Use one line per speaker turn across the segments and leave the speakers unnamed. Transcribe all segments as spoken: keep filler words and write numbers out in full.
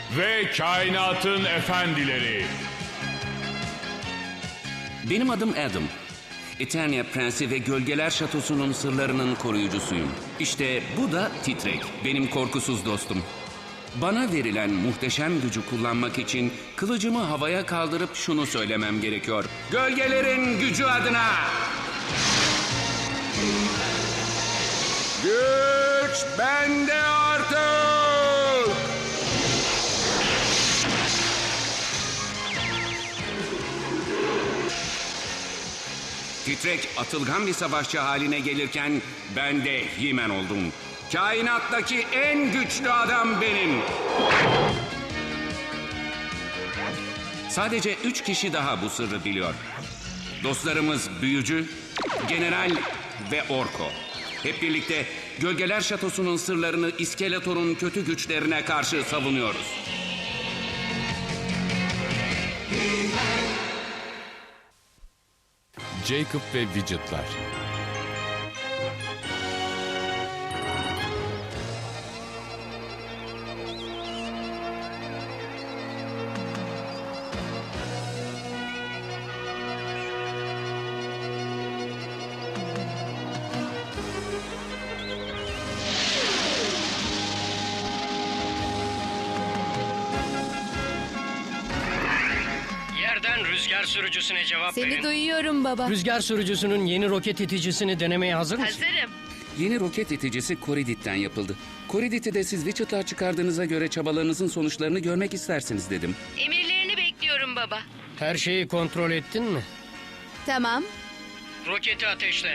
ve kainatın efendileri.
Benim adım Adam. Eternia Prensi ve Gölgeler Şatosu'nun sırlarının koruyucusuyum. İşte bu da Titrek, benim korkusuz dostum. Bana verilen muhteşem gücü kullanmak için kılıcımı havaya kaldırıp şunu söylemem gerekiyor. Gölgelerin gücü adına! Güç bende artık! Titrek atılgan bir savaşçı haline gelirken ben de He-Man oldum. Kainattaki en güçlü adam benim. Sadece üç kişi daha bu sırrı biliyor. Dostlarımız Büyücü, General ve Orko. Hep birlikte Gölgeler Şatosu'nun sırlarını İskeletor'un kötü güçlerine karşı savunuyoruz.
Jacob ve Widget'lar.
Yerden rüzgar sürücüsüne cevap
Seni
verin.
duyuyorum baba.
Rüzgar sürücüsünün yeni roket iticisini denemeye hazır mısın?
Hazırım.
Yeni roket iticisi Corridit'ten yapıldı. Corridit'i de siz Widget'lar çıkardığınıza göre çabalarınızın sonuçlarını görmek istersiniz dedim.
Emirlerini bekliyorum baba.
Her şeyi kontrol ettin mi?
Tamam.
Roketi ateşle.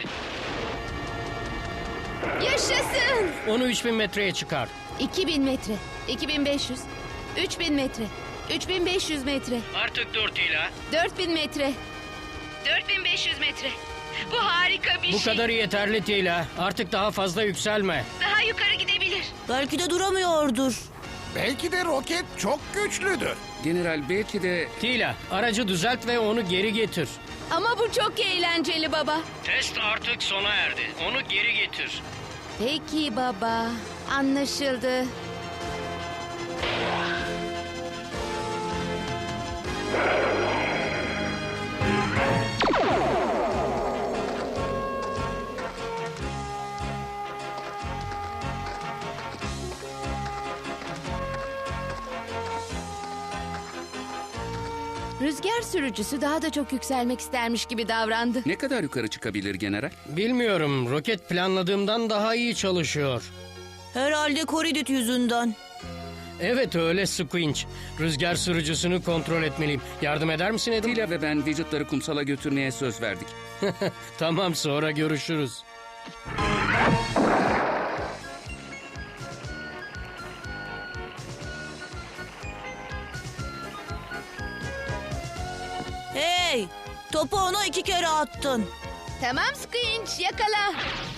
Yaşasın.
Onu üç bin metreye çıkar.
iki bin metre, iki bin beş yüz, üç bin metre, üç bin beş yüz metre,
Artık dur Tila.
dört bin metre, dört bin beş yüz metre. Bu harika bir
Bu
şey.
kadarı yeterli Tila. Artık daha fazla yükselme.
Daha yukarı gidebilir.
Belki de duramıyordur.
Belki de roket çok güçlüdür.
General belki de
Tila, aracı düzelt ve onu geri getir.
Ama bu çok eğlenceli baba.
Test artık sona erdi. Onu geri getir.
Peki baba. Anlaşıldı. Rüzgar sürücüsü daha da çok yükselmek istermiş gibi davrandı.
ne kadar yukarı çıkabilir general?
Bilmiyorum, roket planladığımdan daha iyi çalışıyor.
Herhalde Corridit yüzünden.
Evet öyle Squinch. Rüzgar sürücüsünü kontrol etmeliyim. Yardım eder misin Adam?
Tila ve ben Widget'ları kumsala götürmeye söz verdik.
Tamam, sonra görüşürüz.
Hey! Topu ona iki kere attın.
Tamam Squinch, yakala.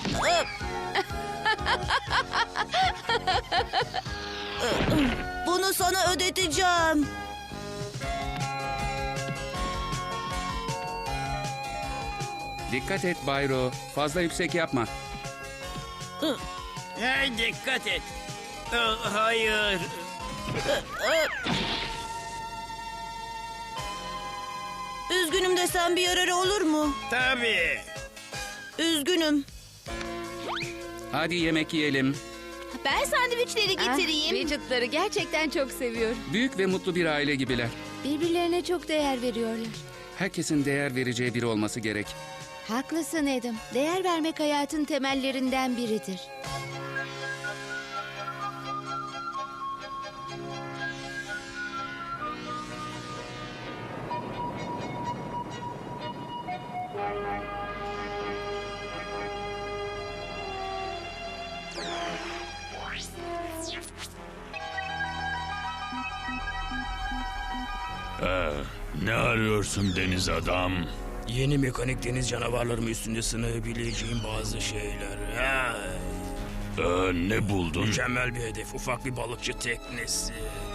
Bunu sana ödeteceğim.
Dikkat et Bayro, fazla yüksek yapma.
Hey dikkat et. Aa, hayır.
Üzgünüm desem bir yararı olur mu?
Tabii.
Üzgünüm.
Hadi yemek yiyelim.
Ben sandviçleri getireyim. Widget'ları gerçekten çok seviyorum.
Büyük ve mutlu bir aile gibiler.
Birbirlerine çok değer veriyorlar.
Herkesin değer vereceği biri olması gerek.
Haklısın Adam. Değer vermek hayatın temellerinden biridir.
Ne arıyorsun deniz adam?
Yeni mekanik deniz canavarlarımı üstünde sınayabileceğim bazı şeyler. Ha.
Ee, ne buldun?
Mükemmel bir hedef. Ufak bir balıkçı teknesi.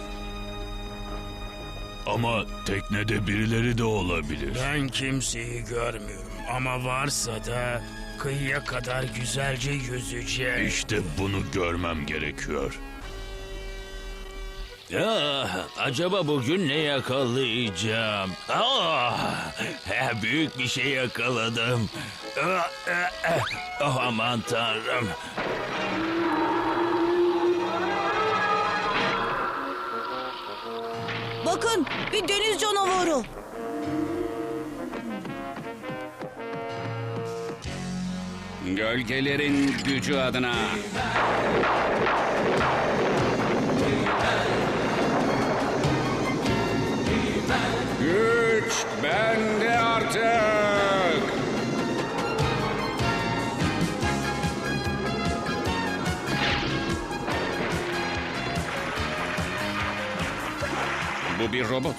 Ama teknede birileri de olabilir.
Ben kimseyi görmüyorum. Ama varsa da kıyıya kadar güzelce yüzeceğim.
İşte bunu görmem gerekiyor.
Ah, acaba bugün ne yakalayacağım? Ah, eh, büyük bir şey yakaladım. Ah, eh, eh. Oh, aman tanrım.
Bakın bir deniz canavarı.
Gölgelerin gücü adına. Güç bende artık. Bu bir robot.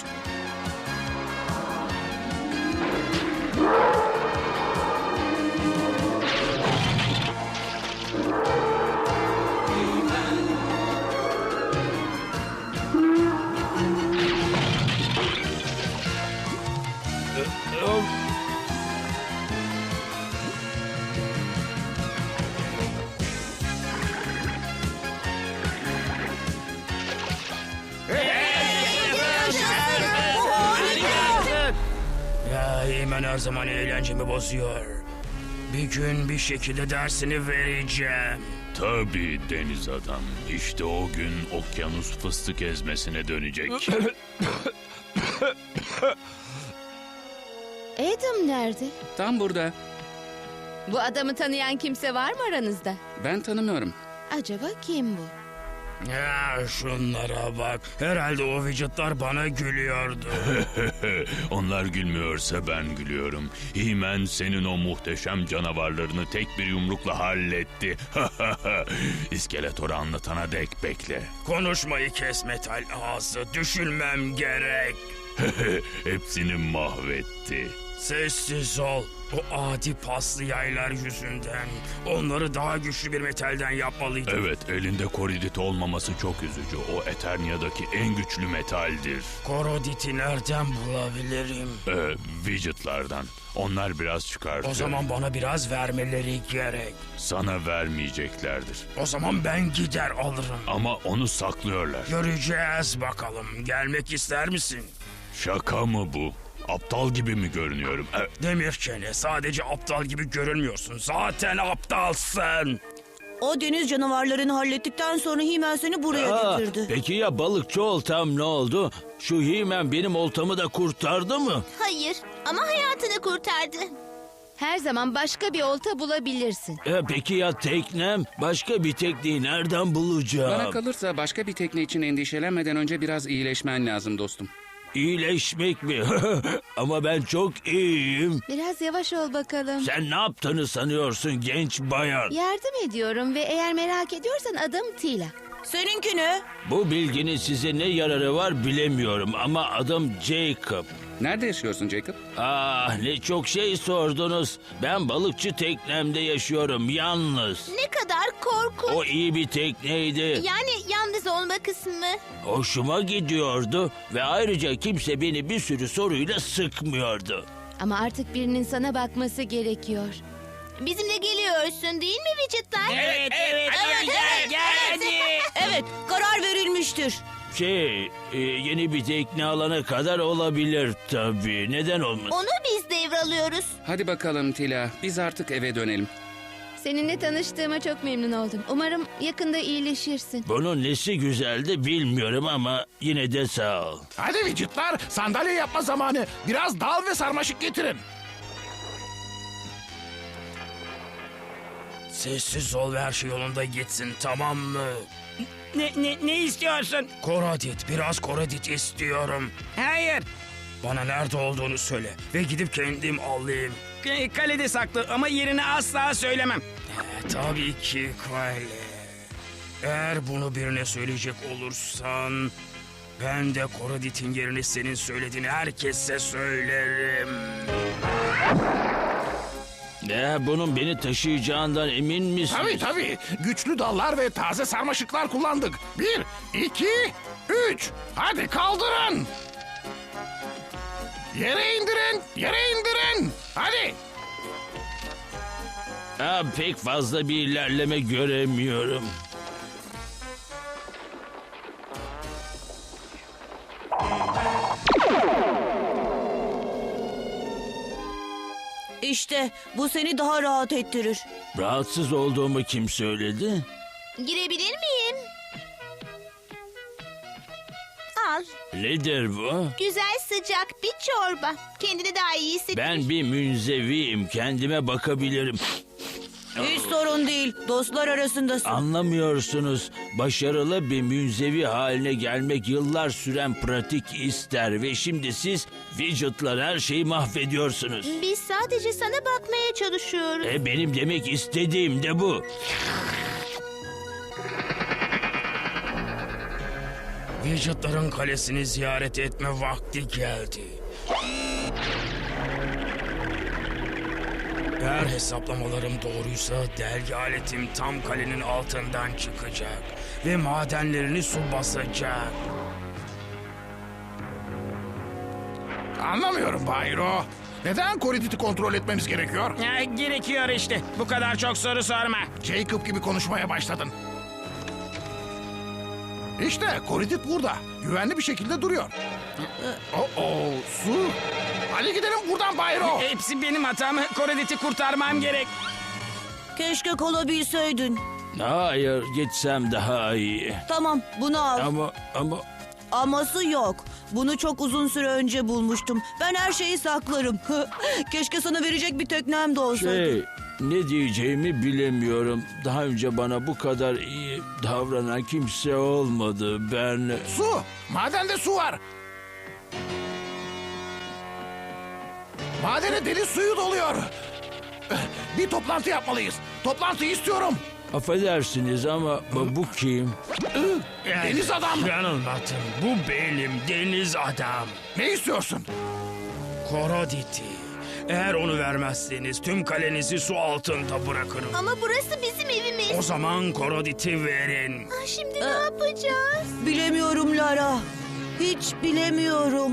Ya Eymen her zaman eğlencemi bozuyor. Bir gün bir şekilde dersini vereceğim.
Tabii deniz adam. İşte o gün okyanus fıstık ezmesine dönecek.
Adam nerede?
Tam burada.
Bu adamı tanıyan kimse var mı aranızda?
Ben tanımıyorum.
Acaba kim bu?
Ya şunlara bak. Herhalde o vücutlar bana gülüyordu.
Onlar gülmüyorsa ben gülüyorum. He-Man senin o muhteşem canavarlarını tek bir yumrukla halletti. İskeletoru anlatana dek bekle.
Konuşmayı kes metal ağzı. Düşünmem gerek.
Hepsini mahvetti.
Sessiz ol. O adi paslı yaylar yüzünden. Onları daha güçlü bir metalden yapmalıydım.
Evet, elinde koridit olmaması çok üzücü. O Eternia'daki en güçlü metaldir.
Korodit'i nereden bulabilirim?
Ee, widgetlardan. Onlar biraz çıkartıyor.
O zaman bana biraz vermeleri gerek.
Sana vermeyeceklerdir.
O zaman ben gider alırım.
Ama onu saklıyorlar.
Göreceğiz bakalım. Gelmek ister misin?
Şaka mı bu? Aptal gibi mi görünüyorum? Ee,
Demir çene, sadece aptal gibi görünmüyorsun. Zaten aptalsın.
O deniz canavarlarını hallettikten sonra He-Man seni buraya
Aa,
getirdi.
peki ya balıkçı oltam ne oldu? Şu He-Man benim oltamı da kurtardı mı?
Hayır ama hayatını kurtardı.
Her zaman başka bir olta bulabilirsin.
E, peki ya teknem? Başka bir tekneyi nereden bulacağım?
Bana kalırsa başka bir tekne için endişelenmeden önce biraz iyileşmen lazım dostum.
İyileşmek mi? Ama ben çok iyiyim.
Biraz yavaş ol bakalım.
Sen ne yaptığını sanıyorsun genç bayan?
Yardım ediyorum ve eğer merak ediyorsan adım Tila.
Seninki ne?
Bu bilginin size ne yararı var bilemiyorum ama adım Jacob.
Nerede yaşıyorsun Jacob?
Ah, ne çok şey sordunuz. Ben balıkçı teknemde yaşıyorum yalnız.
Ne kadar korkunç.
O iyi bir tekneydi.
Yani yalnız olma kısmı.
Hoşuma gidiyordu ve ayrıca kimse beni bir sürü soruyla sıkmıyordu.
Ama artık birinin sana bakması gerekiyor.
Bizimle geliyorsun değil mi vücutlar?
Evet, evet,
evet, evet.
Evet, karar verilmiştir.
Şey, e, yeni bir tekne alana kadar olabilir tabii. Neden olmasın?
Onu biz devralıyoruz.
Hadi bakalım Tila, biz artık eve dönelim.
Seninle tanıştığıma çok memnun oldum. Umarım yakında iyileşirsin.
Bunun nesi güzeldi bilmiyorum ama yine de sağ ol.
Hadi widgetlar, sandalye yapma zamanı. Biraz dal ve sarmaşık getirin.
Sessiz ol ve her şey yolunda gitsin, tamam mı?
Ne, ne, ne istiyorsun?
Korodit, biraz korodit istiyorum.
Hayır.
Bana nerede olduğunu söyle ve gidip kendim alayım.
K- Kalede saklı ama yerini asla söylemem.
Ee, tabii ki Kale. Eğer bunu birine söyleyecek olursan... ben de Korodit'in yerini senin söylediğini herkese söylerim.
Ya bunun beni taşıyacağından emin misin?
Tabii tabii. Güçlü dallar ve taze sarmaşıklar kullandık. Bir, iki, üç. Hadi kaldırın. Yere indirin, yere indirin. Hadi.
Ha, pek fazla bir ilerleme göremiyorum.
İşte bu seni daha rahat ettirir.
Rahatsız olduğumu kim söyledi?
Girebilir miyim? Al.
Nedir bu?
Güzel sıcak bir çorba. Kendini daha iyi hisset.
Ben bir münzeviyim. Kendime bakabilirim.
Hiç sorun değil. Dostlar arasındasın.
Anlamıyorsunuz. Başarılı bir münzevi haline gelmek yıllar süren pratik ister ve şimdi siz widget'lar her şeyi mahvediyorsunuz.
Biz sadece sana bakmaya çalışıyoruz.
E benim demek istediğim de bu.
Widget'ların kalesini ziyaret etme vakti geldi. Eğer hesaplamalarım doğruysa delgi aletim tam kalenin altından çıkacak ve madenlerini su basacak.
Anlamıyorum Bayro. Neden Koridit'i kontrol etmemiz gerekiyor?
Ya, gerekiyor işte. Bu kadar çok soru sorma.
Jacob gibi konuşmaya başladın. İşte Koridit burada. Güvenli bir şekilde duruyor. Oh, oh, su. Hadi gidelim buradan Bayro.
Hepsi benim hatam. Koridit'i kurtarmam gerek.
Keşke kalabilseydin.
Hayır, gitsem daha iyi.
Tamam, bunu al.
Ama ama
Aması yok. Bunu çok uzun süre önce bulmuştum. Ben her şeyi saklarım. Keşke sana verecek bir teknem de olsaydı.
şey, ne diyeceğimi bilemiyorum. Daha önce bana bu kadar iyi davranan kimse olmadı. Ben
Su. Madende su var. Madene deniz suyu doluyor. Bir toplantı yapmalıyız. Toplantı istiyorum.
affedersiniz ama bu bu kim?
Deniz adam.
Yanılmadın. Bu benim deniz adam.
Ne istiyorsun?
Korodit'i. Eğer onu vermezseniz tüm kalenizi su altında bırakırım.
Ama burası bizim evimiz.
O zaman Korodit'i verin.
Ah, Şimdi ne yapacağız?
Bilemiyorum Lara. Hiç bilemiyorum.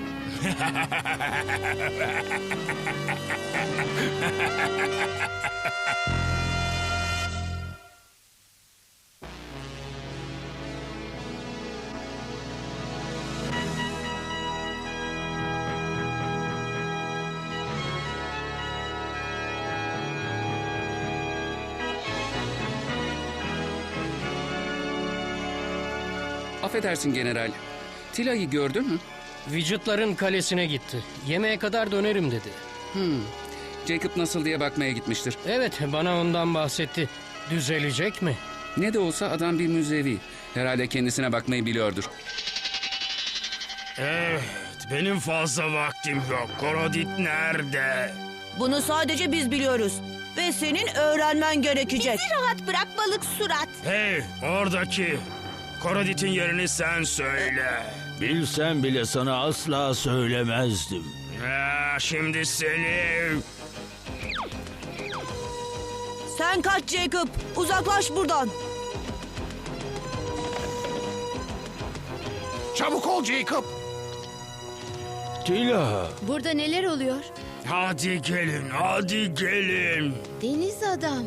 Affedersin general. Tila'yı gördün mü?
Widget'ların kalesine gitti. Yemeğe kadar dönerim dedi.
Jacob nasıl diye bakmaya gitmiştir.
Evet, bana ondan bahsetti. Düzelecek mi?
Ne de olsa adam bir müzevi. Herhalde kendisine bakmayı biliyordur.
Evet, benim fazla vaktim yok. Korodit nerede?
Bunu sadece biz biliyoruz. Ve senin öğrenmen gerekecek.
Bizi rahat bırak balık surat.
Hey, oradaki. Korodit'in yerini sen söyle.
Bilsem bile sana asla söylemezdim.
Ya, şimdi seni...
Sen kaç Jacob. Uzaklaş buradan.
Çabuk ol Jacob.
Tila,
Burada neler oluyor?
Hadi gelin, hadi gelin.
Deniz adam.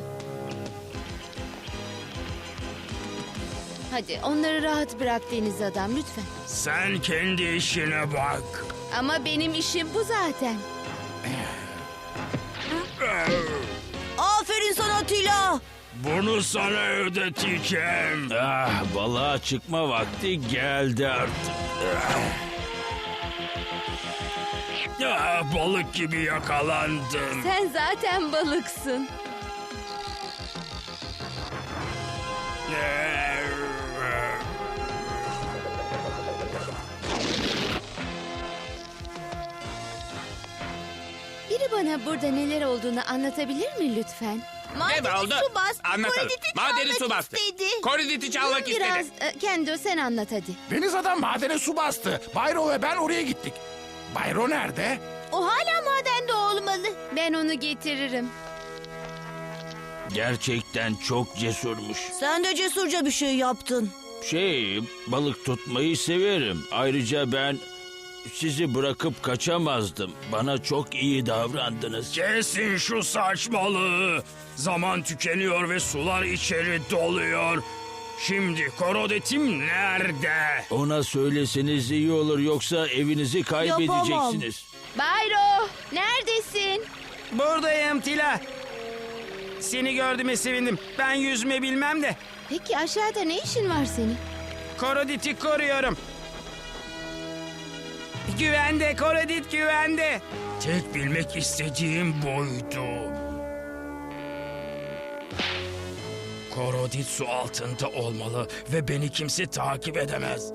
Hadi onları rahat bırak deniz adam lütfen.
Sen kendi işine bak.
Ama benim işim bu zaten.
Aferin sana Tila.
Bunu sana ödeteceğim.
ah, balığa çıkma vakti geldi artık.
Ya, balık gibi yakalandın.
Sen zaten balıksın. Biri bana burada neler olduğunu anlatabilir mi lütfen?
Madeni
oldu?
su bas.
Anlatalım.
Koridit'i
Madeni
çalmak
su bastı.
istedi.
Koridit'i çalmak
Biraz
istedi.
e, Kendo sen anlat hadi.
Deniz adam madene su bastı. Bayro ve ben oraya gittik. Bayro nerede?
O hala madende olmalı.
Ben onu getiririm.
Gerçekten çok cesurmuş.
Sen de cesurca bir şey yaptın.
Şey, balık tutmayı severim. Ayrıca ben sizi bırakıp kaçamazdım. Bana çok iyi davrandınız.
Kesin şu saçmalığı. Zaman tükeniyor ve sular içeri doluyor. Şimdi Korodit'im nerede?
Ona söyleseniz iyi olur, yoksa evinizi kaybedeceksiniz.
Bayro neredesin?
Buradayım Tila. Seni gördüğüme sevindim. Ben yüzme bilmem de.
Peki aşağıda ne işin var senin?
Korodit'i koruyorum. Güvende Korodit, güvende. Tek bilmek istediğim buydu. Korodit su altında olmalı ve beni kimse takip edemez.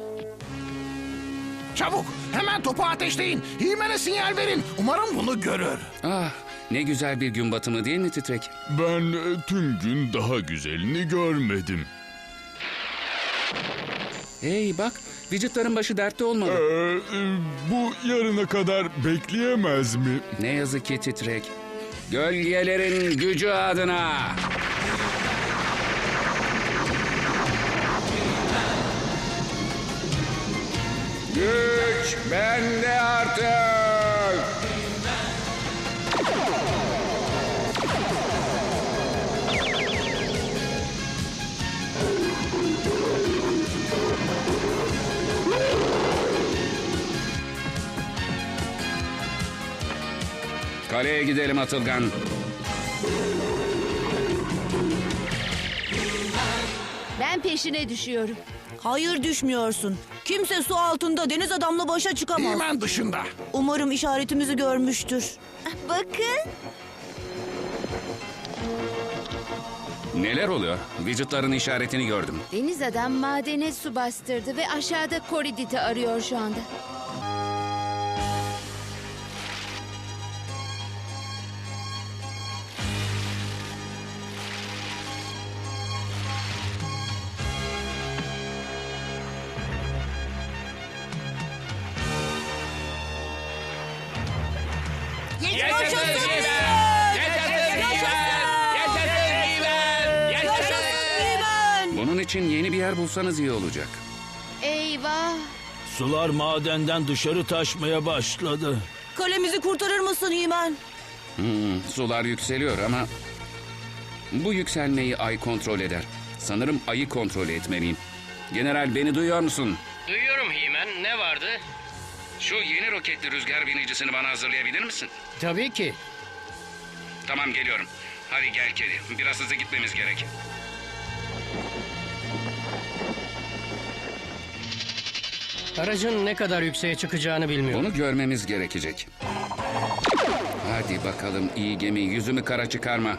Çabuk hemen topu ateşleyin. Himen'e sinyal verin. Umarım bunu görür.
Ah, ne güzel bir gün batımı değil mi Titrek?
Ben e, tüm gün daha güzelini görmedim.
Hey bak, vücutların başı dertte olmalı.
Ee, e, bu yarına kadar bekleyemez mi?
Ne yazık ki Titrek. Gölgelerin gücü adına. Güç bende artık. Kaleye gidelim Atılgan.
Ben peşine düşüyorum.
Hayır düşmüyorsun. Kimse su altında deniz adamla başa çıkamaz.
Himen dışında.
Umarım işaretimizi görmüştür.
Bakın.
Neler oluyor? Vücutların işaretini gördüm.
Deniz adam madene su bastırdı ve aşağıda Korodit'i arıyor şu anda.
Bunun için yeni bir yer bulsanız iyi olacak.
Eyvah!
Sular madenden dışarı taşmaya başladı.
Kalemizi kurtarır mısın Himen?
Hmm, sular yükseliyor ama... Bu yükselmeyi ay kontrol eder. Sanırım ayı kontrol etmeliyim. General beni duyuyor musun?
Duyuyorum Himen. Ne vardı?
Şu yeni roketli rüzgar binicisini bana hazırlayabilir misin?
Tabii ki.
Tamam geliyorum. Hadi gel kedi. Biraz hızlı gitmemiz gerek.
Aracın ne kadar yükseğe çıkacağını bilmiyorum.
Bunu görmemiz gerekecek. Hadi bakalım iyi gemi, yüzümü kara çıkarma.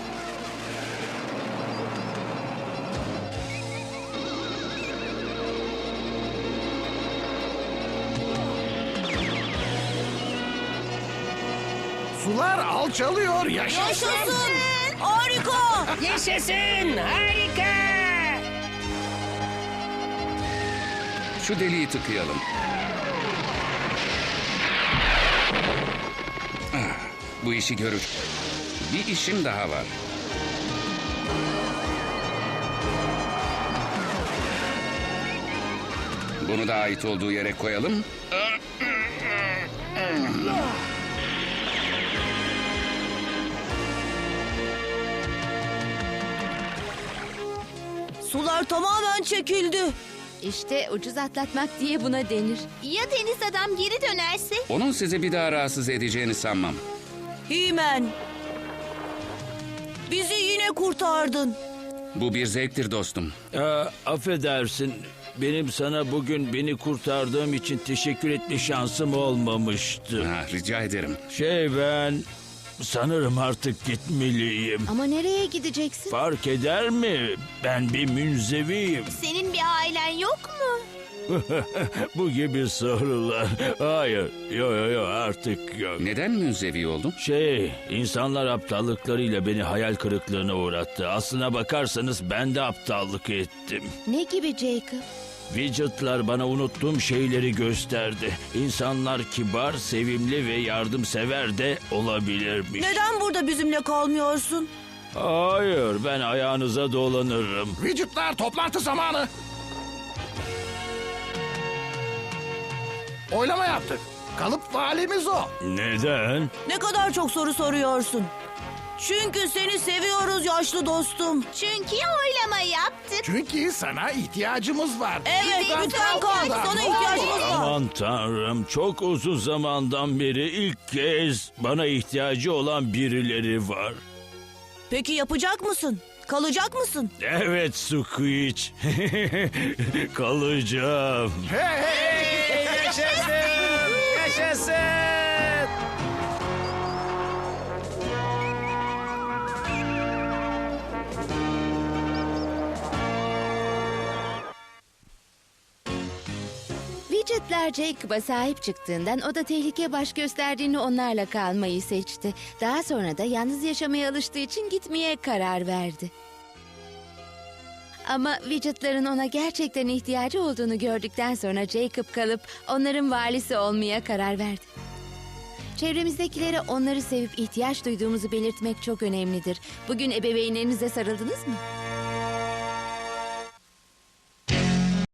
Sular alçalıyor. Yaşasın.
Yaşasın! Harika!
Yaşasın! Harika!
Şu deliği tıkayalım. Ah, bu işi görür. Bir işim daha var. Bunu da ait olduğu yere koyalım.
Sular tamamen çekildi.
İşte ucuz atlatmak diye buna denir.
Ya deniz adam geri dönerse?
Onun sizi bir daha rahatsız edeceğini sanmam.
Himen. Bizi yine kurtardın.
Bu bir zevktir dostum.
Aa, affedersin. Benim sana bugün beni kurtardığım için teşekkür etme şansım olmamıştı.
Ha, rica ederim.
Şey ben sanırım artık gitmeliyim.
Ama nereye gideceksin?
Fark eder mi? Ben bir münzeviyim.
Senin bir ailen yok mu?
Bu gibi sorular. Hayır, yo yo yo artık yok.
Neden münzevi oldun?
Şey, insanlar aptallıklarıyla beni hayal kırıklığına uğrattı. Aslına bakarsanız ben de aptallık ettim.
Ne gibi Jacob?
Widget'lar bana unuttuğum şeyleri gösterdi. İnsanlar kibar, sevimli ve yardımsever de olabilirmiş.
Neden burada bizimle kalmıyorsun?
Hayır, ben ayağınıza dolanırım.
Vücutlar toplantı zamanı. Oylama yaptık. Kalıp valimiz o.
Neden?
Ne kadar çok soru soruyorsun. Çünkü seni seviyoruz yaşlı dostum.
Çünkü oylama yaptık.
Çünkü sana ihtiyacımız var.
Evet, lütfen kal.
burada.
Sana ihtiyacımız var.
Aman tanrım, çok uzun zamandan beri ilk kez bana ihtiyacı olan birileri var.
Peki yapacak mısın? Kalacak mısın?
Evet Squeak. Kalacağım.
Hey, hey, yaşasın! Yaşasın!
Widget'ler Jacob'a sahip çıktığından o da tehlike baş gösterdiğini onlarla kalmayı seçti. Daha sonra da yalnız yaşamaya alıştığı için gitmeye karar verdi. Ama Widget'ların ona gerçekten ihtiyacı olduğunu gördükten sonra Jacob kalıp onların valisi olmaya karar verdi. Çevremizdekilere onları sevip ihtiyaç duyduğumuzu belirtmek çok önemlidir. Bugün ebeveynlerinize sarıldınız mı?